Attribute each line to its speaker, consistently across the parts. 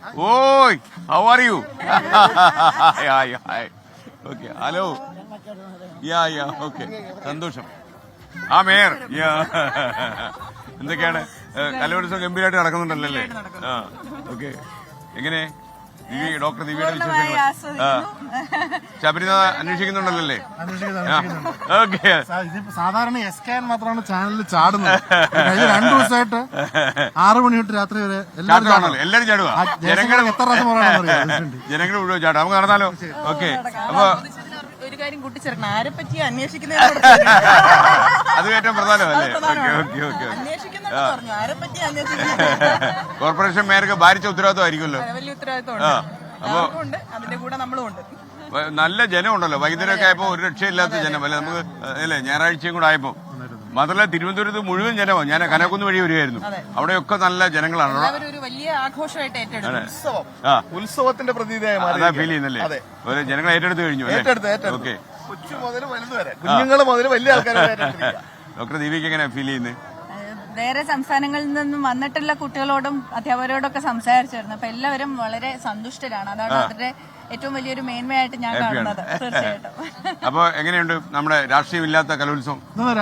Speaker 1: Oi, how are you? Hi. Okay, hello. Yeah, okay. സന്തോഷം. ആ mayor. എന്തൊക്കെയാണ് കലോത്സവം ഗംഭീരമായിട്ട് നടക്കുന്നുണ്ടല്ലേ? ആ, ഓക്കെ. എങ്ങനെ ഡോക്ടർ ദിവ്യയുടെ വിശേഷങ്ങൾ? ശബരിനാഥ അന്വേഷിക്കുന്നുണ്ടല്ലേ? ഓക്കെ.
Speaker 2: സാധാരണ എസ്കാൻ മാത്രമാണ് ചാനലിൽ ചാടുന്നത്. 2 ദിവസമായിട്ട് 6 മണി തൊട്ട് രാത്രി വരെ
Speaker 1: എല്ലാരും ചാടുക.
Speaker 2: ജനങ്ങൾ എത്ര പ്രാവശ്യം പറയണം?
Speaker 1: ജനങ്ങൾ മുഴുവൻ ചാടും. നമുക്ക് നടന്നാലോ? ഓക്കെ. അപ്പൊ
Speaker 3: ഒരു കാര്യം കൂട്ടിച്ചേർക്കണം, ആരെ പറ്റി അന്വേഷിക്കുന്നത്
Speaker 1: അത് ഏറ്റവും പ്രധാനമല്ലേ? കോർപ്പറേഷൻ മേയർക്ക് ഭാരിച്ച ഉത്തരവാദിത്വമായിരിക്കുമല്ലോ.
Speaker 3: വലിയ ഉത്തരവാദിത്വം. അതിന്റെ കൂടെ നമ്മളും ഉണ്ട്.
Speaker 1: നല്ല ജനമുണ്ടല്ലോ. വൈകുന്നേരമൊക്കെ ആയപ്പോ ഒരു രക്ഷയില്ലാത്ത ജനം അല്ലെ നമുക്ക് അല്ലേ? ഞായറാഴ്ചയും കൂടെ ആയപ്പോ മാത്രമല്ല തിരുവനന്തപുരത്ത് മുഴുവൻ ജനമാണ്. ഞാൻ കനകുന്ന് വഴി വരുമായിരുന്നു. അവിടെയൊക്കെ നല്ല ജനങ്ങളാണ്.
Speaker 3: ഒരു വലിയ ആഘോഷമായിട്ട്
Speaker 2: ഉത്സവത്തിന്റെ പ്രതീതിയായി
Speaker 1: അതാ ഫീൽ ചെയ്യുന്നല്ലേ? ജനങ്ങൾ ഏറ്റെടുത്ത് കഴിഞ്ഞു. ഓക്കെ.
Speaker 2: കൊച്ചു മുതൽ വലുത് വരെ, കുഞ്ഞുങ്ങൾ മുതൽ വലിയ ആൾക്കാർ.
Speaker 1: ഡോക്ടർ ദീപിക്ക് എങ്ങനെയാ ഫീൽ ചെയ്യുന്നത്?
Speaker 4: വേറെ സംസ്ഥാനങ്ങളിൽ നിന്നും വന്നിട്ടുള്ള കുട്ടികളോടും അധ്യാപകരോടൊക്കെ സംസാരിച്ചിരുന്നു. അപ്പൊ എല്ലാവരും വളരെ സന്തുഷ്ടരാണ്. അതാണ് അവരുടെ ഏറ്റവും വലിയൊരു മേന്മയായിട്ട് ഞാൻ കാണുന്നത്. തീർച്ചയായിട്ടും.
Speaker 1: അപ്പൊ എങ്ങനെയുണ്ട് നമ്മുടെ രാഷ്ട്രീയമില്ലാത്ത കലോത്സവം?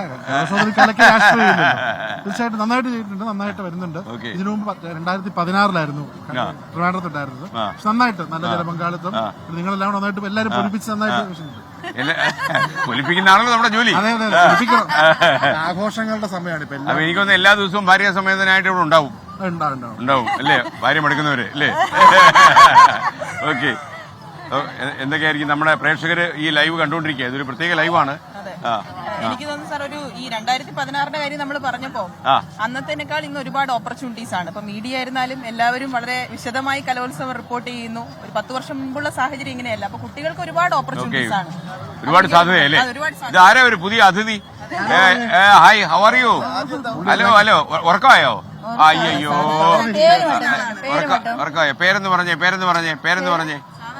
Speaker 2: തീർച്ചയായിട്ടും നന്നായിട്ട് ചെയ്തിട്ടുണ്ട്, നന്നായിട്ട് വരുന്നുണ്ട്. ഇതിനു മുമ്പ് 2016 ട്രിവാൻഡ്രത്തുണ്ടായിരുന്നത്. നന്നായിട്ട് നല്ല ജനപങ്കാളിത്തം, നിങ്ങളെല്ലാം നന്നായിട്ട് എല്ലാവരും പൊലിപ്പിച്ച് നന്നായിട്ട്
Speaker 1: പൊലിപ്പിക്കുന്ന ആണല്ലോ നമ്മുടെ ജോലി.
Speaker 2: ആഘോഷങ്ങളുടെ സമയമാണ് ഇപ്പൊ.
Speaker 1: എനിക്കൊന്ന് എല്ലാ ദിവസവും ഭാര്യ സമേതനായിട്ട് ഇവിടെ ഉണ്ടാവും അല്ലേ? ഭാര്യ മടുക്കുന്നവര് അല്ലേ? ഓക്കെ. എന്തൊക്കെയായിരിക്കും നമ്മുടെ പ്രേക്ഷകര് ഈ ലൈവ് കണ്ടുകൊണ്ടിരിക്കുക? ഇതൊരു പ്രത്യേക ലൈവാണ്.
Speaker 3: എനിക്ക് തോന്നുന്നു സാർ, ഒരു ഈ 2016 കാര്യം നമ്മൾ പറഞ്ഞപ്പോ അന്നത്തേക്കാൾ ഇന്ന് ഒരുപാട് ഓപ്പർച്യൂണിറ്റീസ് ആണ്. ഇപ്പൊ മീഡിയ ആയിരുന്നാലും എല്ലാവരും വളരെ വിശദമായി കലോത്സവം റിപ്പോർട്ട് ചെയ്യുന്നു. ഒരു 10 വർഷം മുമ്പുള്ള സാഹചര്യം ഇങ്ങനെയല്ല. അപ്പൊ കുട്ടികൾക്ക് ഒരുപാട് ഓപ്പർച്യൂണിറ്റീസ് ആണ്,
Speaker 1: ഒരുപാട് സാധ്യതയല്ലേ? ഇത് ആരാ ഒരു പുതിയ അതിഥി? Hi, how are you? Hello ഉറക്കമായോ? അയ്യോ, ഉറക്കമായോ? പേരെന്ന് പറഞ്ഞേ.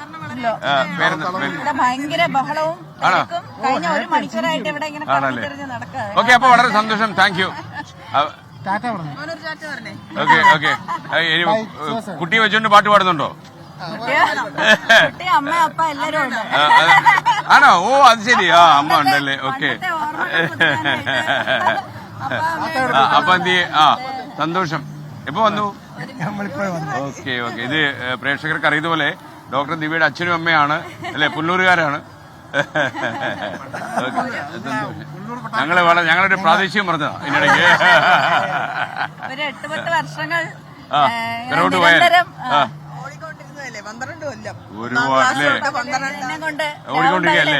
Speaker 4: ഭയങ്കര ബഹളവും കഴിഞ്ഞ 1 മണിക്കൂറായിട്ട് ഇവിടെ ഇങ്ങനെ നടക്കുക.
Speaker 1: ഓക്കെ. അപ്പൊ വളരെ സന്തോഷം. Thank you. ഓക്കെ. കുട്ടിയെ വെച്ചോണ്ട് പാട്ട് പാടുന്നുണ്ടോ?
Speaker 4: അമ്മ അപ്പ എല്ലാരും ഉണ്ട്.
Speaker 1: ആണോ? ഓ, അത് ശരി. അമ്മ ഉണ്ടല്ലേ? ഓക്കെ. അപ്പൊ എന്ത്? സന്തോഷം. എപ്പോ വന്നു? ഓക്കെ. ഇത് പ്രേക്ഷകർക്ക് അറിയതുപോലെ ഡോക്ടർ ദിവ്യയുടെ അച്ഛനും അമ്മയാണ് അല്ലെ? പുല്ലൂരുകാരാണ്. ഞങ്ങളൊരു പ്രാദേശികം പറഞ്ഞതാ ഇതിനിടയ്ക്ക്.
Speaker 4: 8-10 വർഷങ്ങൾ
Speaker 1: പിറകോട്ട് പോയാൽ ഓടിക്കൊണ്ടിരിക്കുകയല്ലേ?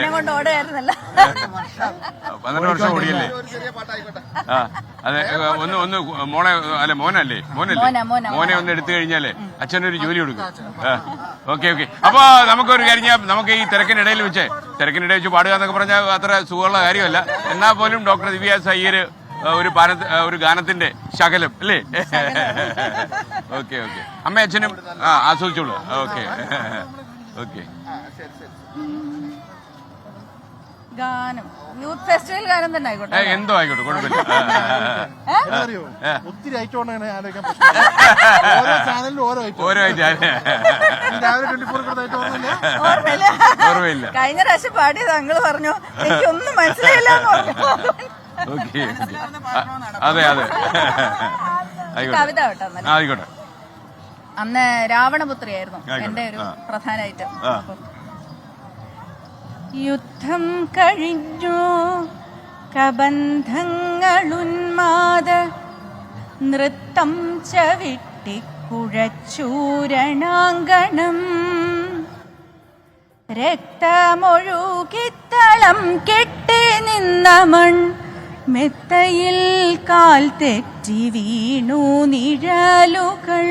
Speaker 1: 12 വർഷം ഓടിയല്ലേ? അതെ. ഒന്ന് മോനല്ലേ? മോനെ ഒന്ന് എടുത്തു കഴിഞ്ഞാലേ അച്ഛനൊരു ജോലി കൊടുക്കും. ഓക്കെ. അപ്പൊ നമുക്കൊരു കാര്യം, നമുക്ക് ഈ തിരക്കിനിടയിൽ വെച്ച് പാടുക എന്നൊക്കെ പറഞ്ഞാൽ അത്ര സുഖമുള്ള കാര്യമല്ല. എന്നാൽ പോലും ഡോക്ടർ ദിവ്യ സയ്യര് ഒരു ഗാനത്തിന്റെ ശകലം അല്ലേ? ഓക്കെ. അമ്മ അച്ഛനും ആസ്വദിച്ചോളൂ. ഓക്കെ.
Speaker 4: ഗാനം യൂത്ത് ഫെസ്റ്റിവൽ ഗാനം തന്നെ ആയിക്കോട്ടെ,
Speaker 1: എന്തോ ആയിക്കോട്ടെ, കുഴപ്പമില്ല.
Speaker 2: ഒത്തിരി ഐറ്റം ഓരോ
Speaker 1: ഓർമ്മയില്ല.
Speaker 4: കഴിഞ്ഞ പ്രാവശ്യം പാടിയത് അങ്ങള് പറഞ്ഞു, എനിക്കൊന്നും മനസ്സിലായില്ല.
Speaker 1: ഓക്കെ. അതെ.
Speaker 4: കവിത കേട്ടോ.
Speaker 1: ആയിക്കോട്ടെ.
Speaker 4: അന്ന് രാവണപുത്രിയായിരുന്നു എന്റെ ഒരു പ്രധാന ഐറ്റം. യുദ്ധം കഴിഞ്ഞു കബന്ധങ്ങളുന്മാദ നൃത്തം ചവിട്ടിക്കുഴച്ചൂരണാങ്കണം രക്തമൊഴുകിത്തളം കെട്ടി നിന്ന മൺ മെത്തയിൽ കാൽ തെറ്റി വീണു നിഴലുകൾ.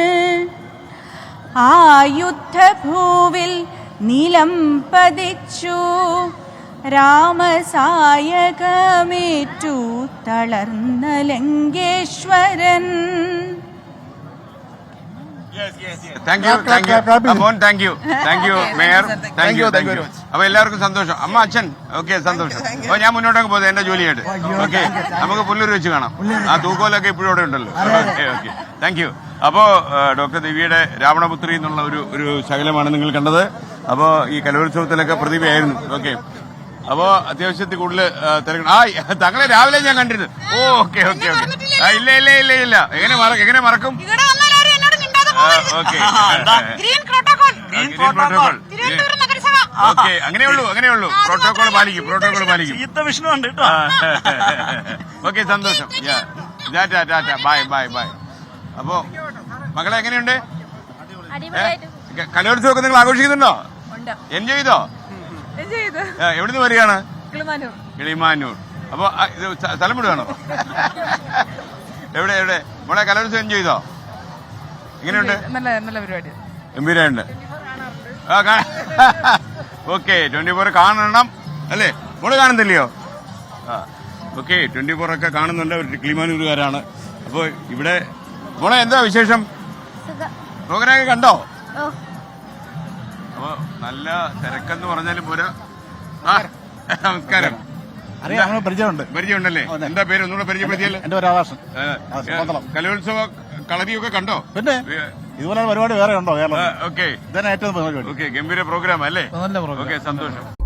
Speaker 4: ആ യുദ്ധഭൂവിൽ നിലം പതിച്ചു രാമസായകമേറ്റു തളർന്ന Lankeshwaran.
Speaker 1: Thank you mayor. Thank you. അപ്പൊ എല്ലാവർക്കും സന്തോഷം. അമ്മ അച്ഛൻ ഓക്കെ, സന്തോഷം. അപ്പൊ ഞാൻ മുന്നോട്ടൊക്കെ പോകുന്നത് എന്റെ ജോലിയായിട്ട്. ഓക്കെ. നമുക്ക് പുല്ലൂർ വെച്ച് കാണാം. ആ തൂക്കോലൊക്കെ ഇപ്പോഴും ഇവിടെ ഉണ്ടല്ലോ. ഓക്കെ. Thank you. അപ്പോ ഡോക്ടർ ദിവ്യയുടെ രാവണപുത്രി എന്നുള്ള ഒരു ശകലമാണ് നിങ്ങൾ കണ്ടത്. അപ്പോ ഈ കലോത്സവത്തിലൊക്കെ പ്രതിഭയായിരുന്നു. ഓക്കെ, അപ്പോ അത്യാവശ്യത്തിൽ കൂടുതൽ തിരക്കണം. തങ്ങളെ രാവിലെ ഞാൻ കണ്ടിരുന്നു. Okay okay okay. ഇല്ല ഇല്ല ഇല്ല ഇല്ല, എങ്ങനെ മറക്കും? ഓക്കെ, ഓക്കെ, അങ്ങനെയുള്ളൂ. പ്രോട്ടോകോൾ പാലിക്കും. ഓക്കെ, സന്തോഷം. Tata, bye. അപ്പോ മകളെ എങ്ങനെയുണ്ട്? കലോത്സവമൊക്കെ നിങ്ങൾ ആഘോഷിക്കുന്നുണ്ടോ? എൻജോയ് ചെയ്തോ? എവിടുന്ന് വരികയാണ്? കിളിമാനൂർ. അപ്പൊ ഇത് സ്ഥലം വിടുകയാണോ? എവിടെ മോളെ കലോത്സവം എൻജോയ് ചെയ്തോ? എങ്ങനെയുണ്ട്?
Speaker 3: നല്ല പരിപാടി,
Speaker 1: ഗംഭീരമുണ്ട്. ഓക്കെ, 24 കാണണം അല്ലേ? മോള് കാണുന്നില്ലയോ? ഓക്കെ, 24 ഒക്കെ കാണുന്നുണ്ട്. ഒരു കിളിമാനൂരുകാരാണ്. അപ്പൊ ഇവിടെ മോളെ എന്താ വിശേഷം? പ്രോഗ്രാം കണ്ടോ? അപ്പൊ നല്ല തിരക്കെന്ന് പറഞ്ഞാലും പോരാ. നമസ്കാരം. പരിചയമുണ്ടല്ലേ? എന്താ പേര് ഒന്നുകൂടെ പരിചയപ്പെടുത്തിയല്ലേ?
Speaker 5: എന്റെ പേര് ആകാശൻ.
Speaker 1: കലോത്സവ കളരിയൊക്കെ കണ്ടോ?
Speaker 5: പിന്നെ ഇതുപോലെ പരിപാടി വേറെ ഉണ്ടോ കേരളം?
Speaker 1: ഓക്കെ,
Speaker 5: ഇതന്നെ ഏറ്റവും പരിപാടി.
Speaker 1: ഓക്കെ, ഗംഭീര പ്രോഗ്രാം അല്ലേ?
Speaker 5: നല്ല പ്രോഗ്രാം.
Speaker 1: ഓക്കെ, സന്തോഷം.